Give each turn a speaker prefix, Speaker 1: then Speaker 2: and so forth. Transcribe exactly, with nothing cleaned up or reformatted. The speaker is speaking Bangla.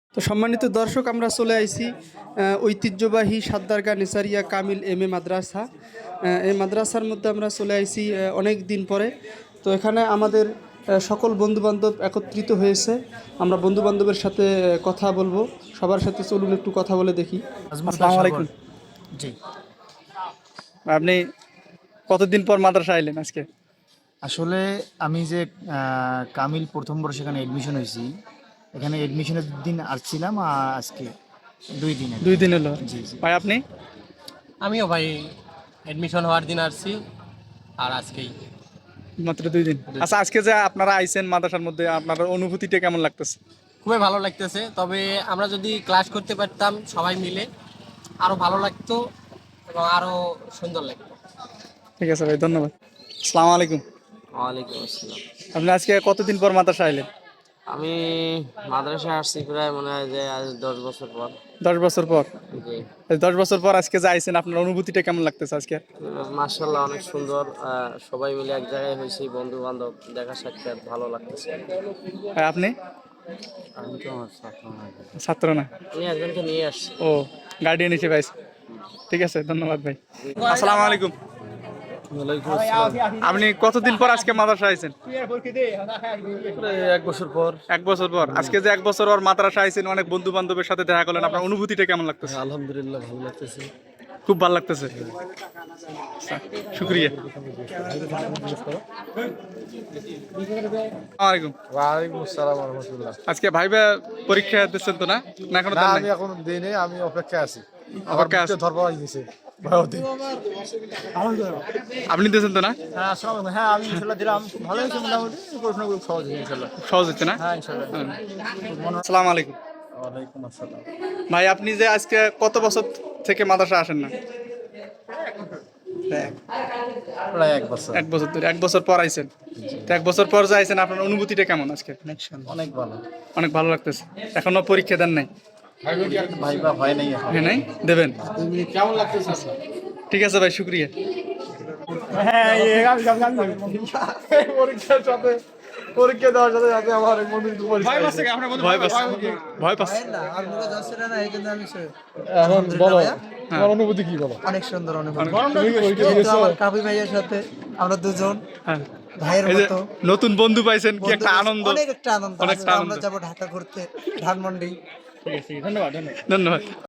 Speaker 1: তো সম্মানিত দর্শক, আমরা চলে আইছি ঐতিহ্যবাহী সাদ্দারগা নেসারিয়া কামিল এম এ মাদ্রাসা। এই মাদ্রাসার মধ্যে আমরা চলে আইছি অনেক দিন পরে। তো এখানে আমাদের সকল বন্ধুবান্ধব একত্রিত হয়েছে। আমরা বন্ধুবান্ধবের সাথে কথা বলবো, সবার সাথে চলুন একটু কথা বলে দেখি। আসসালামু আলাইকুম।
Speaker 2: জি,
Speaker 1: আপনি কতদিন পর মাদ্রাসা আইলেন আজকে?
Speaker 2: আসলে আমি যে আহ, কামিল প্রথম বর্ষ এখানে এডমিশন হয়েছি, এখানে এডমিশনের দিন আসছিলাম আর আজকে দুই দিন
Speaker 1: দুই দিন হলো।
Speaker 2: জি জি
Speaker 1: ভাই আপনি?
Speaker 3: আমিও ভাই এডমিশন হওয়ার দিন আসছি আর আজকেই।
Speaker 1: মাত্র দুই দিন। আচ্ছা, আজকে যে আপনারা আইছেন মাদ্রাসার মধ্যে, আপনার অনুভূতিটা কেমন লাগতেছে?
Speaker 3: খুবই ভালো লাগতেছে, তবে আমরা যদি ক্লাস করতে পারতাম সবাই মিলে আরো ভালো লাগতো এবং আরো সুন্দর লাগতো।
Speaker 1: ঠিক আছে ভাই, ধন্যবাদ। আসসালামু আলাইকুম।
Speaker 4: ওয়ালাইকুম আসসালাম।
Speaker 1: আপনি আজকে কতদিন পর মাদ্রাসা আইলেন?
Speaker 4: আমি মাদ্রাসায় আসছি প্রায় মনে হয় যে আজ দশ বছর পর।
Speaker 1: দশ বছর পর?
Speaker 4: জি,
Speaker 1: এই দশ বছর পর আজকে যে আইছেন, আপনার অনুভূতিটা কেমন লাগতেছে আজকে?
Speaker 4: মার্শাল্লাহ অনেক সুন্দর। আহ, সবাই মিলে এক জায়গায় হয়েছি, বন্ধু বান্ধব দেখা সাক্ষাৎ ভালো লাগতেছে।
Speaker 1: আর আপনি?
Speaker 4: আমি তো আমার ছাত্র না।
Speaker 1: ছাত্র না?
Speaker 4: আমি একজনকে নিয়ে আসছি।
Speaker 1: ও, গার্ডিয়ান হিসেবে আইছে। ঠিক আছে, ধন্যবাদ ভাই। আসসালামু আলাইকুম। আপনি কতদিন পর আজকে মাদ্রাসা আইছেন?
Speaker 5: এক বছর পর।
Speaker 1: এক বছর পর। আজকে যে এক বছর পর মাদ্রাসা আইছেন, অনেক বন্ধু বান্ধবের সাথে দেখা করলেন, আপনার অনুভূতিটা কেমন লাগতেছে?
Speaker 5: আলহামদুলিল্লাহ ভালো লাগতেছে।
Speaker 1: খুব ভালো লাগতেছে। আচ্ছা, শুকরিয়া। আসসালামু আলাইকুম।
Speaker 5: ওয়ালাইকুম আসসালাম ওয়া রাহমাতুল্লাহ।
Speaker 1: আজকে ভাইবা পরীক্ষা দিচ্ছেন তো না? না এখনো
Speaker 5: না,
Speaker 1: দেন
Speaker 5: আমি
Speaker 1: নাই?
Speaker 5: এখন দেই নাই, আমি অপেক্ষায় আছি। আমার
Speaker 1: অপেক্ষায়
Speaker 5: বুঝতে
Speaker 1: আছেন?
Speaker 5: ধরপড় হয়ে গেছে। ভয় দিই।
Speaker 1: আপনি দিয়েছেন তো না?
Speaker 2: হ্যাঁ আসসালামু আলাইকুম। হ্যাঁ আমি ইনশাআল্লাহ দিলাম, খুব ভালো হয়েছে মোটামুটি, প্রশ্ন খুব সহজ হয়েছে ইনশাআল্লাহ।
Speaker 1: সহজ হচ্ছে না?
Speaker 2: হ্যাঁ ইনশাআল্লাহ।
Speaker 1: আসসালামু আলাইকুম।
Speaker 5: ওয়ালাইকুম আসসালাম।
Speaker 1: ভাই আপনি যে আজকে কত বছর থেকে মাদ্রাসা আসেন না?
Speaker 5: প্রায় এক বছর।
Speaker 1: এক বছর ধরে। এক বছর পর আইছেন। তো এক বছর পর যে আইছেন, আপনার অনুভূতিটা কেমন আজকে?
Speaker 5: অনেক ভালো।
Speaker 1: অনেক ভালো লাগতেছে। এখনো পরীক্ষা দেন নাই?
Speaker 5: ভাইবা হয় নাই এখন।
Speaker 1: হ্যাঁ, নাই দেবেন? কেমন লাগতেছে? ঠিক আছে ভাই, শুক্রিয়া।
Speaker 5: পরীক্ষার সাথে পরীক্ষা দেওয়ার সাথে সাথে আমার মন্দির
Speaker 1: ভয় পাচ্ছে? ভয় পাচ্ছে? ভয় পাচ্ছে?
Speaker 5: এখন বলো তোমার অনুভূতি কি বলো?
Speaker 6: অনেক সুন্দর অনুভূতি।
Speaker 5: তুমি কি পরীক্ষা
Speaker 6: যেহেতু
Speaker 5: দিয়েছো?
Speaker 6: আমার কাবি ভাইয়ের সাথে আমরা দুজন
Speaker 1: হ্যাঁ।
Speaker 6: ভাইয়ের
Speaker 1: এই যে
Speaker 6: মতো
Speaker 1: নতুন বন্ধু পাইছেন, কি একটা
Speaker 6: বন্ধু,
Speaker 1: আনন্দ।
Speaker 6: অনেক একটা আনন্দ।
Speaker 1: অনেকটা
Speaker 6: আজকে
Speaker 1: আনন্দ।
Speaker 6: আমরা যাবো ঢাকা ঘুরতে, ধানমন্ডি।
Speaker 1: ধন্যবাদ।